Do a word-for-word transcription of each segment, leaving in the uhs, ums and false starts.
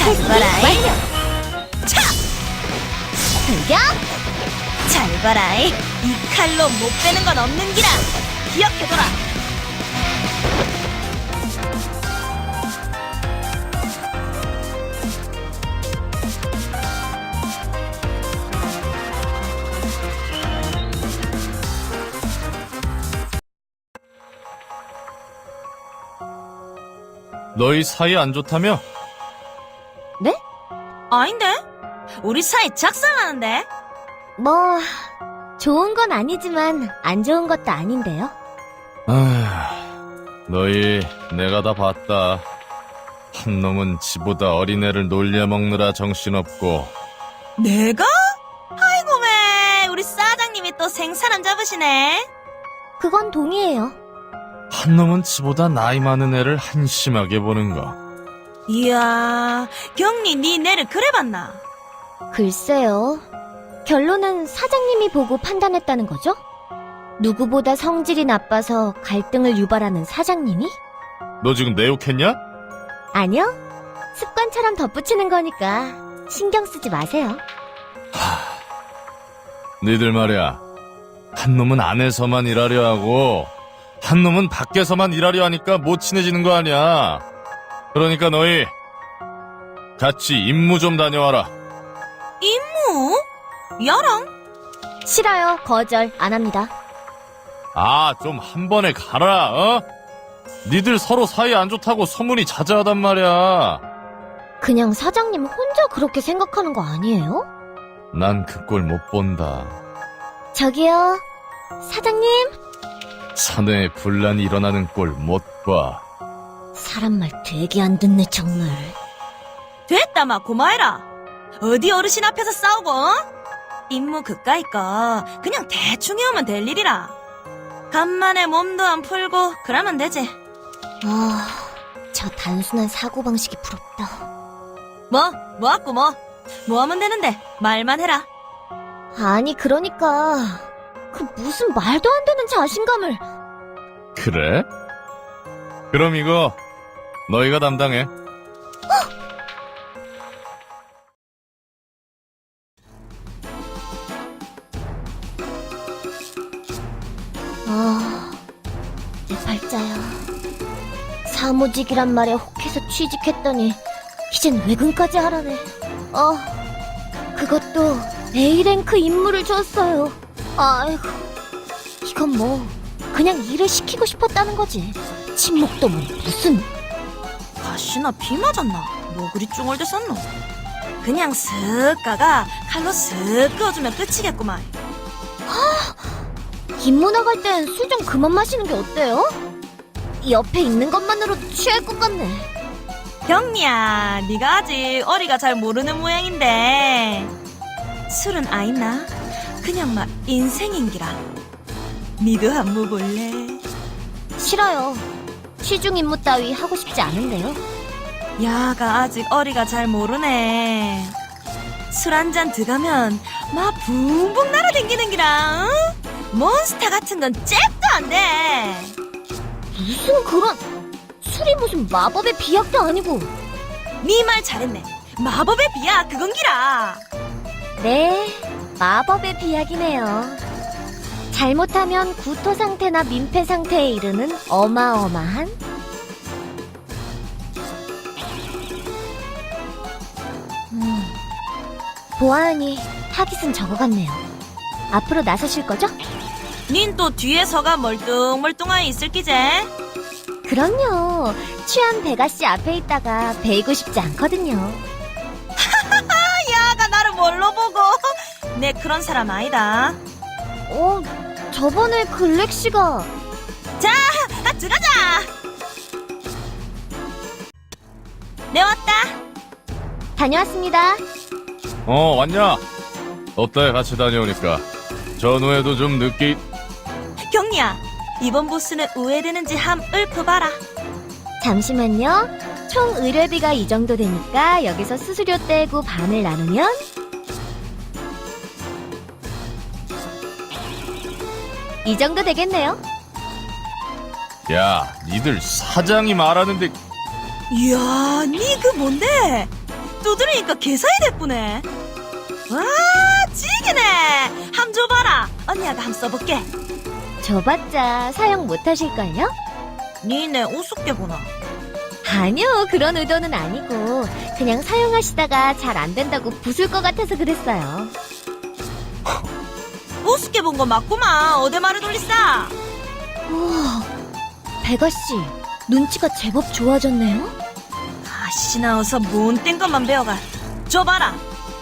잘 봐라이. 완료. 차! 공격. 잘 봐라이. 이 칼로 못 빼는 건 없는 기라. 기억해둬라. 너희 사이 안 좋다며? 네? 아닌데? 우리 사이 작살나는데? 뭐 좋은 건 아니지만 안 좋은 것도 아닌데요. 아, 너희 내가 다 봤다. 한 놈은 지보다 어린애를 놀려먹느라 정신없고 내가? 아이고 매 우리 사장님이 또 생사람 잡으시네. 그건 동의해요. 한 놈은 지보다 나이 많은 애를 한심하게 보는 거. 이야 경리 니 내를 그래 봤나? 글쎄요. 결론은 사장님이 보고 판단했다는 거죠? 누구보다 성질이 나빠서 갈등을 유발하는 사장님이? 너 지금 내 욕했냐? 아니요. 습관처럼 덧붙이는 거니까 신경 쓰지 마세요. 니들 말이야. 한 놈은 안에서만 일하려 하고 한 놈은 밖에서만 일하려 하니까 못 친해지는 거 아니야. 그러니까 너희 같이 임무 좀 다녀와라. 임무? 야랑? 싫어요. 거절 안 합니다. 아, 좀 한 번에 가라, 어? 니들 서로 사이 안 좋다고 소문이 자자하단 말이야. 그냥 사장님 혼자 그렇게 생각하는 거 아니에요? 난 그 꼴 못 본다. 저기요. 사장님. 사내에 분란이 일어나는 꼴 못 봐. 사람 말 되게 안 듣네 정말. 됐다 마 고마해라. 어디 어르신 앞에서 싸우고 어? 임무 그까이 거 그냥 대충 해오면 될 일이라. 간만에 몸도 안 풀고 그러면 되지. 아, 저 단순한 사고방식이 부럽다. 뭐? 뭐하고 뭐? 뭐 하면 되는데 말만 해라. 아니 그러니까 그 무슨 말도 안 되는 자신감을. 그래? 그럼 이거 너희가 담당해. 아, 내 팔자야. 사무직이란 말에 혹해서 취직했더니 이젠 외근까지 하라네. 어, 그것도 A랭크 임무를 줬어요. 아이고, 이건 뭐 그냥 일을 시키고 싶었다는 거지. 침묵도 뭐 무슨. 가시나 비 맞았나? 뭐 그리 쭝얼댔었노? 그냥 쓱 가가 칼로 쓱 그어주면 끝이겠구만. 임무 나갈 땐 술 좀 그만 마시는 게 어때요? 옆에 있는 것만으로도 취할 것 같네. 경리야, 네가 아직 어리가 잘 모르는 모양인데 술은 아있나? 그냥 막 인생인기라. 니도 한번 볼래? 싫어요. 시중 임무 따위 하고 싶지 않은데요. 야가 아직 어리가 잘 모르네. 술 한 잔 들어가면 막 붕붕 날아댕기는 기라. 응? 몬스터 같은 건 잽도 안 돼. 무슨 그런. 술이 무슨 마법의 비약도 아니고. 네 말 잘했네. 마법의 비야 그건 기라. 네, 마법의 비약이네요. 잘못하면 구토 상태나 민폐 상태에 이르는 어마어마한. 음, 보아하니 타깃은 저거 같네요. 앞으로 나서실 거죠? 닌 또 뒤에서가 멀뚱멀뚱하게 있을 기제. 그럼요. 취한 베가씨 앞에 있다가 베이고 싶지 않거든요. 야가 나를 뭘로 보고. 내 그런 사람 아니다. 어, 저번에 글렉씨가. 자, 아, 들어가자. 내 왔다. 다녀왔습니다. 어, 왔냐? 어때 같이 다녀오니까. 전후에도 좀 늦게. 경리야, 이번 보스는 우회되는지 함 읊어봐라. 잠시만요. 총 의뢰비가 이 정도 되니까 여기서 수수료 떼고 반을 나누면 이 정도 되겠네요. 야, 니들 사장이 말하는데. 이야, 니 그 뭔데? 두드리니까 개사이 됐구네. 와, 찌기네. 함 줘봐라. 언니가 함 써볼게. 줘봤자 사용 못하실걸요? 니네 우습게 보나? 아니요, 그런 의도는 아니고 그냥 사용하시다가 잘 안 된다고 부술 것 같아서 그랬어요. 우습게 본 거 맞구만. 어디 말을 돌리싸? 우와, 베가씨 눈치가 제법 좋아졌네요? 아씨나 어서 못된 것만 배워가. 줘봐라.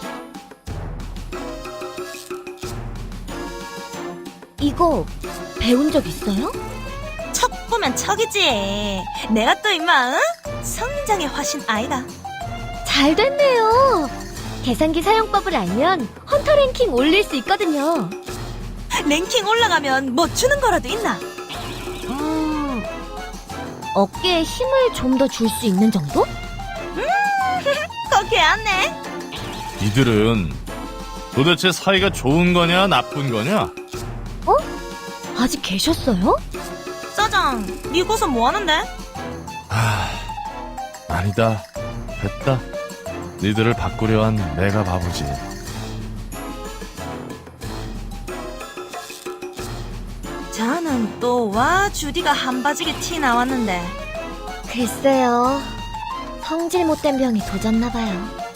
이거 배운 적 있어요? 척 보면 척이지. 내가 또 임마 응? 성장의 화신 아이가. 잘 됐네요. 계산기 사용법을 알면 헌터 랭킹 올릴 수 있거든요. 랭킹 올라가면 뭐 주는 거라도 있나? 음, 어깨에 힘을 좀 더 줄 수 있는 정도? 그거 개안네. 이들은 도대체 사이가 좋은 거냐 나쁜 거냐? 아직 계셨어요? 짜장, 니 고서 뭐 하는데? 아, 아니다. 됐다. 니들을 바꾸려 한 내가 바보지. 자는 또 와 주디가 한바지게 티 나왔는데. 글쎄요. 성질 못된 병이 도졌나봐요.